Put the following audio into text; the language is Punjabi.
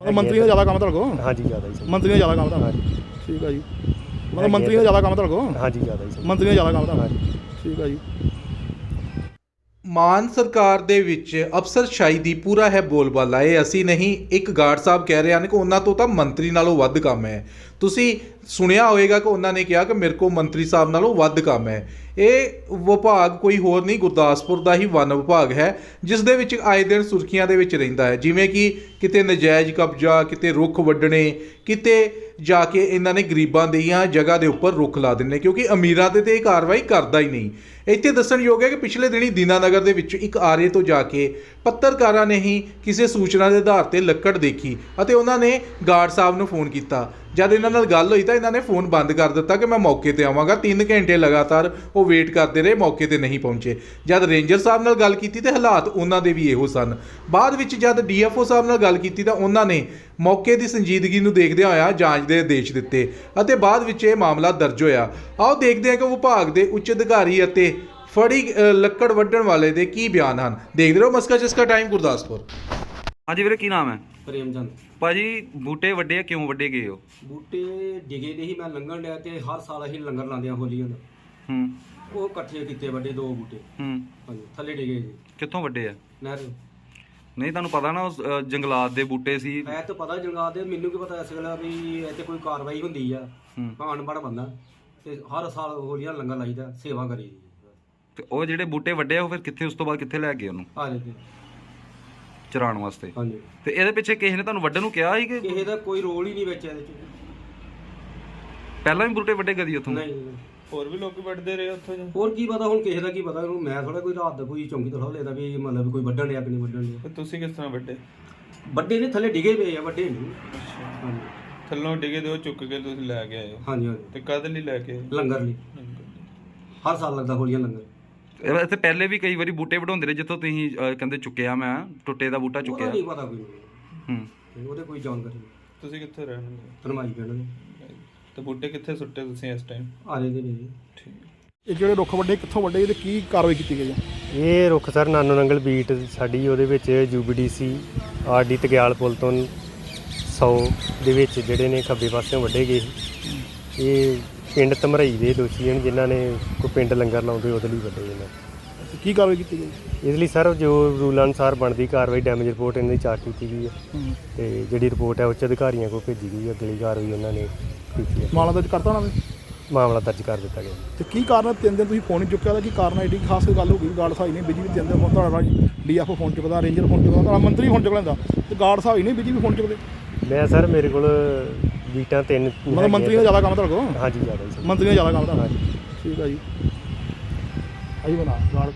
ਮੰਤਰੀ ਦਾ ਜ਼ਿਆਦਾ ਕੰਮ ਤੁਹਾਡੇ ਕੋਲ? ਹਾਂਜੀ ਜ਼ਿਆਦਾ ਹੀ। ਮੰਤਰੀ ਦਾ ਜ਼ਿਆਦਾ ਕੰਮ ਤੁਹਾਡਾ? ਠੀਕ ਹੈ ਜੀ। ਮਤਲਬ ਮੰਤਰੀ ਦਾ ਜ਼ਿਆਦਾ ਕੰਮ ਤੁਹਾਡੇ ਕੋਲ? ਹਾਂਜੀ ਜ਼ਿਆਦਾ ਹੀ। ਮੰਤਰੀ ਦਾ ਜ਼ਿਆਦਾ ਕੰਮ ਤੁਹਾਡਾ? ਠੀਕ ਹੈ ਜੀ। ਮਾਨ ਸਰਕਾਰ ਦੇ ਵਿੱਚ ਅਫਸਰਸ਼ਾਹੀ ਦੀ ਪੂਰਾ ਹੈ ਬੋਲਬਾਲਾ। ਇਹ ਅਸੀਂ ਨਹੀਂ, ਇੱਕ ਗਾਰਡ ਸਾਹਿਬ ਕਹਿ ਰਹੇ ਹਨ ਕਿ ਉਹਨਾਂ ਤੋਂ ਤਾਂ ਮੰਤਰੀ ਨਾਲੋਂ ਵੱਧ ਕੰਮ ਹੈ। ਤੁਸੀਂ ਸੁਣਿਆ ਹੋਵੇਗਾ ਕਿ ਉਹਨਾਂ ਨੇ ਕਿਹਾ ਕਿ ਮੇਰੇ ਕੋਲ ਮੰਤਰੀ ਸਾਹਿਬ ਨਾਲੋਂ ਵੱਧ ਕੰਮ ਹੈ। ਇਹ ਵਿਭਾਗ ਕੋਈ ਹੋਰ ਨਹੀਂ, ਗੁਰਦਾਸਪੁਰ ਦਾ ਹੀ ਵਨ ਵਿਭਾਗ ਹੈ, ਜਿਸ ਦੇ ਵਿੱਚ ਆਏ ਦਿਨ ਸੁਰਖੀਆਂ ਦੇ ਵਿੱਚ ਰਹਿੰਦਾ ਹੈ। ਜਿਵੇਂ ਕਿ ਕਿਤੇ ਨਜਾਇਜ਼ ਕਬਜ਼ਾ, ਕਿਤੇ ਰੁੱਖ ਵੱਢਣੇ, ਕਿਤੇ ਜਾ ਕੇ ਇਹਨਾਂ ਨੇ ਗਰੀਬਾਂ ਦੀਆਂ ਜਗ੍ਹਾ ਦੇ ਉੱਪਰ ਰੁੱਖ ਲਾ ਦਿੰਦੇ, ਕਿਉਂਕਿ ਅਮੀਰਾਂ ਤੇ ਇਹ ਕਾਰਵਾਈ ਕਰਦਾ ਹੀ ਨਹੀਂ। ਇੱਥੇ ਦੱਸਣਯੋਗ ਹੈ ਕਿ ਪਿਛਲੇ ਦਿਨੀ ਦੀਨਾਨਗਰ ਦੇ ਵਿੱਚ ਇੱਕ ਆਰੇ ਤੋਂ ਜਾ ਕੇ ਪੱਤਰਕਾਰਾਂ ਨੇ ਹੀ ਕਿਸੇ ਸੂਚਨਾ ਦੇ ਆਧਾਰ ਤੇ ਲੱਕੜ ਦੇਖੀ ਅਤੇ ਉਹਨਾਂ ਨੇ ਗਾਰਡ ਸਾਹਿਬ ਨੂੰ ਫੋਨ ਕੀਤਾ। ਜਦ ਇਹਨਾਂ ਨਾਲ ਗੱਲ ਹੋਈ ਤਾਂ ਇਹਨਾਂ ਨੇ ਫੋਨ ਬੰਦ ਕਰ ਦਿੱਤਾ ਕਿ ਮੈਂ ਮੌਕੇ ਤੇ ਆਵਾਂਗਾ। 3 ਘੰਟੇ ਲਗਾਤਾਰ ਉਹ ਵੇਟ ਕਰਦੇ ਰਹੇ, ਮੌਕੇ ਤੇ ਨਹੀਂ ਪਹੁੰਚੇ। ਜਦ ਰੇਂਜਰ ਸਾਹਿਬ ਨਾਲ ਗੱਲ ਕੀਤੀ ਤੇ ਹਾਲਾਤ ਉਹਨਾਂ ਦੇ ਵੀ ਇਹੋ ਸਨ। ਬਾਅਦ ਵਿੱਚ ਜਦ ਡੀਐਫਓ ਸਾਹਿਬ ਨਾਲ ਗੱਲ ਕੀਤੀ ਤਾਂ ਉਹਨਾਂ ਨੇ ਮੌਕੇ ਦੀ ਸੰਜੀਦਗੀ ਨੂੰ ਦੇਖਦਿਆਂ ਹੋਇਆ ਜਾਂਚ ਦੇ ਆਦੇਸ਼ ਦਿੱਤੇ ਅਤੇ ਬਾਅਦ ਵਿੱਚ ਇਹ ਮਾਮਲਾ ਦਰਜ ਹੋਇਆ। ਆਓ ਦੇਖਦੇ ਹਾਂ ਕਿ ਵਿਭਾਗ ਦੇ ਉੱਚ ਅਧਿਕਾਰੀ ਅਤੇ ਫੜੀ ਲੱਕੜ ਵੱਢਣ ਵਾਲੇ ਦੇ ਕੀ ਬਿਆਨ ਹਨ। ਦੇਖਦੇ ਰਹੋ ਮਸਕਾ ਚਸਕਾ ਟਾਈਮ, ਗੁਰਦਾਸਪੁਰ। ਹਾਂਜੀ ਵੀਰੇ, ਕੀ ਨਾਮ ਹੈ? ਪ੍ਰੇਮ ਚੰਦ ਭਾਜੀ, ਬੂਟੇ ਵੱਡੇ ਆ, ਕਿਉਂ ਵੱਡੇ ਗਏ ਹੋ? ਬੂਟੇ ਡਿਗੇ ਦੇ ਹੀ ਮੈਂ ਲੰਘਣ ਡਿਆ ਤੇ ਹਰ ਸਾਲ ਅਸੀਂ ਲੰਗਰ ਲਾਉਂਦੇ ਆ ਹੋਲੀਆਂ ਦਾ। ਉਹ ਇਕੱਠੇ ਕੀਤੇ ਵੱਡੇ 2 ਬੂਟੇ। ਹਾਂਜੀ, ਥੱਲੇ ਡਿਗੇ ਜੀ। ਕਿੱਥੋਂ ਵੱਡੇ ਆ? ਨਹਿਰ। ਨਹੀਂ, ਤੁਹਾਨੂੰ ਪਤਾ ਨਾ ਉਸ ਜੰਗਲਾਤ ਦੇ ਬੂਟੇ ਸੀ। ਮੈਂ ਤਾਂ ਪਤਾ ਜੰਗਲਾਤ ਦੇ, ਮੈਨੂੰ ਕੀ ਪਤਾ ਇਸ ਗੱਲ ਵੀ ਇੱਥੇ ਕੋਈ ਕਾਰਵਾਈ ਹੁੰਦੀ ਆ। ਮੈਂ ਅਨਪੜ੍ਹ ਬੰਦਾ ਤੇ ਹਰ ਸਾਲ ਹੋਲੀਆਂ ਲੰਗਰ ਲਾਈਦਾ, ਸੇਵਾ ਕਰੀ। ਤੇ ਉਹ ਜਿਹੜੇ ਬੂਟੇ ਵੱਡੇ ਆ ਉਹ ਫਿਰ ਕਿੱਥੇ, ਉਸ ਤੋਂ ਬਾਅਦ ਕਿੱਥੇ ਲੈ ਗਏ ਉਹਨੂੰ? ਆ ਜਾਂਦੇ ਚਰਾਉਣ ਵਾਸਤੇ। ਹਾਂਜੀ। ਤੇ ਇਹਦੇ ਪਿੱਛੇ ਕਿਸੇ ਨੇ ਤੁਹਾਨੂੰ ਵੱਢਣ ਨੂੰ ਕਿਹਾ ਸੀ ਕਿ ਕਿਸੇ ਦਾ ਕੋਈ ਰੋਲ ਹੀ ਨਹੀਂ ਵਿੱਚ ਇਹਦੇ ਚ? ਪਹਿਲਾਂ ਵੀ ਬੂਟੇ ਵੱਡੇ ਕਦੀ ਉੱਥੋਂ? ਨਹੀਂ। ਹੋਰ ਵੀ ਲੋਕ ਵੱਢਦੇ ਰਹੇ ਉੱਥੋਂ? ਹੋਰ ਕੀ ਪਤਾ ਹੁਣ ਕਿਸੇ ਦਾ ਕੀ ਪਤਾ ਉਹਨੂੰ। ਮੈਂ ਥੋੜਾ ਕੋਈ ਰਾਤ ਦਾ ਕੋਈ ਚੌਂਕੀ ਤੋਂ ਲੈਦਾ ਵੀ ਮਤਲਬ ਕੋਈ ਵੱਢਣ ਡਿਆ ਕਿ ਨਹੀਂ ਵੱਢਣ ਡਿਆ। ਤੁਸੀਂ ਕਿਸ ਤਰ੍ਹਾਂ ਵੱਡੇ? ਵੱਡੇ ਨੇ ਥੱਲੇ ਡਿਗੇ ਪਏ ਆ, ਵੱਡੇ ਨਹੀਂ। ਹਾਂਜੀ। ਥੱਲੋਂ ਡਿਗੇ ਦੇ ਉਹ ਚੁੱਕ ਕੇ ਤੁਸੀਂ ਲੈ ਕੇ ਆਏ ਹੋ? ਹਾਂਜੀ ਹਾਂਜੀ। ਤੇ ਕਦ ਲਈ ਲੈ ਕੇ ਆਏ? ਲੰਗਰ ਲਈ। ਹਰ ਸਾਲ ਲੱਗਦਾ ਹੋਲੀਆਂ ਲੰਗਰ। ਇੱਥੇ ਪਹਿਲੇ ਵੀ ਕਈ ਵਾਰੀ ਬੂਟੇ ਵਢਾਉਂਦੇ ਰਹੇ ਜਿੱਥੋਂ ਤੁਸੀਂ ਕਹਿੰਦੇ ਚੁੱਕਿਆ, ਮੈਂ ਟੁੱਟੇ ਦਾ ਬੂਟਾ ਚੁੱਕਿਆ? ਨਹੀਂ ਪਤਾ ਕੋਈ ਉਹਦੇ ਕੋਈ ਜਾਣਕਾਰੀ ਨਹੀਂ। ਤੁਸੀਂ ਕਿੱਥੇ ਰਹਿਣ ਦੇ? ਧਰਮਾਈ ਪਿੰਡ ਦੇ। ਤੇ ਬੂਟੇ ਕਿੱਥੇ ਸੁੱਟੇ ਤੁਸੀਂ ਇਸ ਟਾਈਮ? ਆਲੇ ਦੇ ਨਹੀਂ। ਠੀਕ। ਇਹ ਜਿਹੜੇ ਰੁੱਖ ਵੱਡੇ ਕਿੱਥੋਂ ਵੱਡੇ ਤੇ ਕੀ ਕਾਰਵਾਈ ਕੀਤੀ ਗਈ ਹੈ? ਇਹ ਰੁੱਖ ਸਰ ਨਾਨੋ ਨੰਗਲ ਬੀਟ ਸਾਡੀ ਉਹਦੇ ਵਿੱਚ ਯੂਬੀਡੀਸੀ ਆਰਡੀ ਤਗਿਆਲ ਪੁਲ ਤੋਂ 100 ਦੇ ਵਿੱਚ ਜਿਹੜੇ ਨੇ ਖੱਬੇ ਪਾਸਿਓਂ ਵੱਢੇ ਗਏ ਸੀ। ਇਹ ਪਿੰਡ ਧਮਰਈ ਦੇ ਦੋਸ਼ੀ ਹਨ ਜਿਨ੍ਹਾਂ ਨੇ ਕੋਈ ਪਿੰਡ ਲੰਗਰ ਲਾਉਂਦੇ ਉਹਦੇ ਲਈ ਵੱਢੇ ਇਹਨਾਂ। ਕੀ ਕਾਰਵਾਈ ਕੀਤੀ ਗਈ? ਇਸ ਲਈ ਸਰ ਜੋ ਰੂਲ ਅਨੁਸਾਰ ਬਣਦੀ ਕਾਰਵਾਈ ਡੈਮੇਜ ਰਿਪੋਰਟ ਇਹਨਾਂ ਦੀ ਚਾਰਜ ਕੀਤੀ ਗਈ ਹੈ ਤੇ ਜਿਹੜੀ ਰਿਪੋਰਟ ਹੈ ਉੱਚ ਅਧਿਕਾਰੀਆਂ ਕੋਲ ਭੇਜੀ ਗਈ ਹੈ। ਅਗਲੀ ਕਾਰਵਾਈ ਉਹਨਾਂ ਨੇ ਕੀਤੀ ਹੈ। ਮਾਮਲਾ ਦਰਜ ਕਰਤਾ ਉਹਨਾਂ ਨੇ? ਮਾਮਲਾ ਦਰਜ ਕਰ ਦਿੱਤਾ ਗਿਆ। ਤੇ ਕੀ ਕਾਰਨ 3 ਦਿਨ ਤੁਸੀਂ ਫੋਨ ਨਹੀਂ ਚੁੱਕਿਆ ਦਾ? ਕੀ ਕਾਰਨ ਐਡੀ ਖਾਸ ਗੱਲ ਹੋ ਗਈ? ਗਾਰਡ ਸਾਹਿਬ ਨਹੀਂ ਬਿਜੀ ਵੀ 3 ਦਿਨ ਤੁਹਾਡਾ ਡੀਐਫਓ ਫੋਨ ਚੁੱਕਦਾ, ਰੇਂਜਰ ਫੋਨ ਚੁੱਕਦਾ, ਤੁਹਾਡਾ ਮੰਤਰੀ ਫੋਨ ਚੁੱਕ ਲੈਂਦਾ ਤੇ ਗਾਰਡ ਸਾਹਿਬ ਹੀ ਨਹੀਂ ਬਿਜੀ ਵੀ ਫੋਨ ਚੁੱਕਦੇ? ਮੈਂ ਸਰ ਮੇਰੇ ਕੋਲ ਬੀਟਾਂ 3 ਮਤਲਬ ਮੰਤਰੀ ਦਾ ਜ਼ਿਆਦਾ ਕੰਮ ਤੁਹਾਡੇ ਕੋਲ? ਹਾਂਜੀ ਜ਼ਿਆਦਾ ਹੀ। ਮੰਤਰੀ ਦਾ ਜ਼ਿਆਦਾ ਕੰਮ ਤੁਹਾਡਾ? ਠੀਕ ਹੈ ਜੀ। ਆਈ ਬਣਾ ਗਾਰਡ